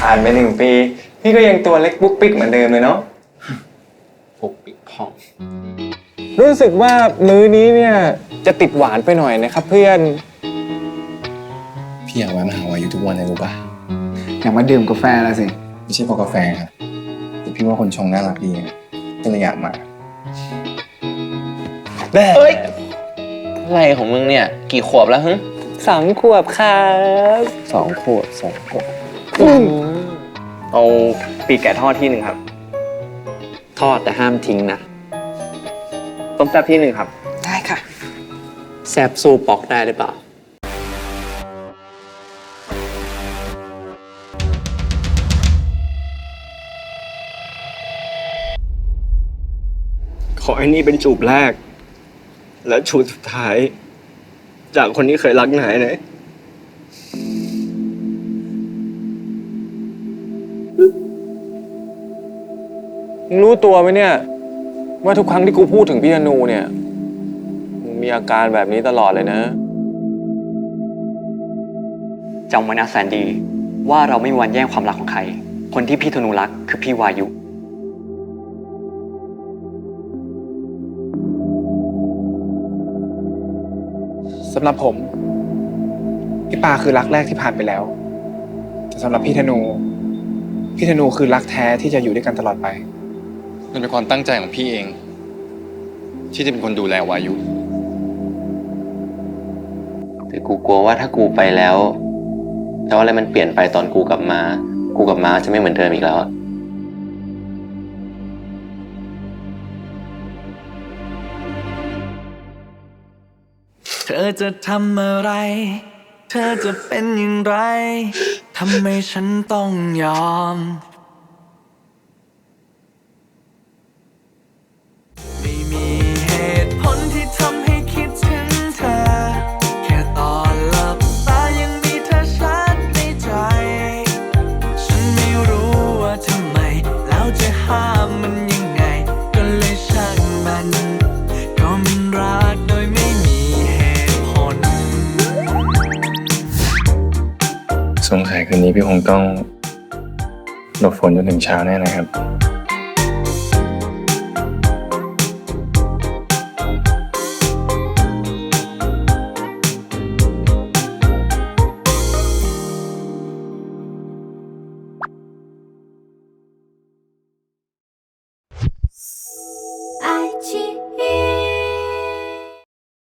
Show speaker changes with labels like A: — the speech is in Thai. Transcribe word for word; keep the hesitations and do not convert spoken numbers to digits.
A: ผ่านไปหนึ่งปีพี่ก็ยังตัวเล็กปุ๊กปิ๊กเหมือนเดิมเลยเนาะ
B: ปุ๊กปิ๊กพอง
A: รู้สึกว่ามื้อนี้เนี่ยจะติดหวานไปหน่อยนะครับเพื่อน
B: พี่อยากแวะมาหาวายุทุกวันเลยรู้ป่ะ
C: อยากมาดื่มกาแฟแล้วสิ
B: ไม่ใช่เพราะกาแฟครับแต่พี่ว่าคนชงน่ารักดีก็เลยอยากมา
A: แม่
D: เอ้ยอะไรของมึงเนี่ยกี่ขวบแล้วฮึ
A: สองขวบครับ
D: สองขวบสองขวบเอาปีกแกะทอดที่หนึ่งครับ
E: ทอดแต่ห้ามทิ้งนะ
D: ต้มแซ่บที่หนึ่งครับ
F: ได้ค่ะ
E: แซ่บสู้ปอกได้หรือเปล่า
G: ขอให้นี่เป็นจูบแรกและจูบสุดท้ายจากคนที่เคยรักนายนะ
A: รู้ตัวไหมเนี่ยว่าทุกครั้งที่กูพูดถึงพี่ธนูเนี่ยมึงมีอาการแบบนี้ตลอดเลยนะ
E: จำไว้นะแซนดี้ว่าเราไม่มีวันแย่งความรักของใครคนที่พี่ธนูรักคือพี่วายุ
C: สำหรับผมพี่ปาคือรักแรกที่ผ่านไปแล้วแต่สำหรับพี่ธนูพี่ธนูคือรักแท้ที่จะอยู่ด้วยกันตลอดไป
B: มันเป็นความตั้งใจของพี่เองที่จะเป็นคนดูแลวายุ
D: แต่กูกลัวว่าถ้ากูไปแล้วแล้วอะไรมันเปลี่ยนไปตอนกูกลับมากูกลับมาจะไม่เหมือนเดิมอีกแล้ว
H: เธอจะทำอะไรเธอจะเป็นอย่างไรทำไมฉันต้องยอมไม่มีเหตุผลที่ทำให้คิดถึงเธอแค่ตอนหลับตายังมีเธอชัดในใจฉันไม่รู้ว่าทำไมแล้วจะห้ามมันยังไงก็เลยช่างมันก็มันรักโดยไม่มีเหตุผล
B: สงสัยคืนนี้พี่คงต้องหลบฝนจนถึงเช้าแน่นะครับ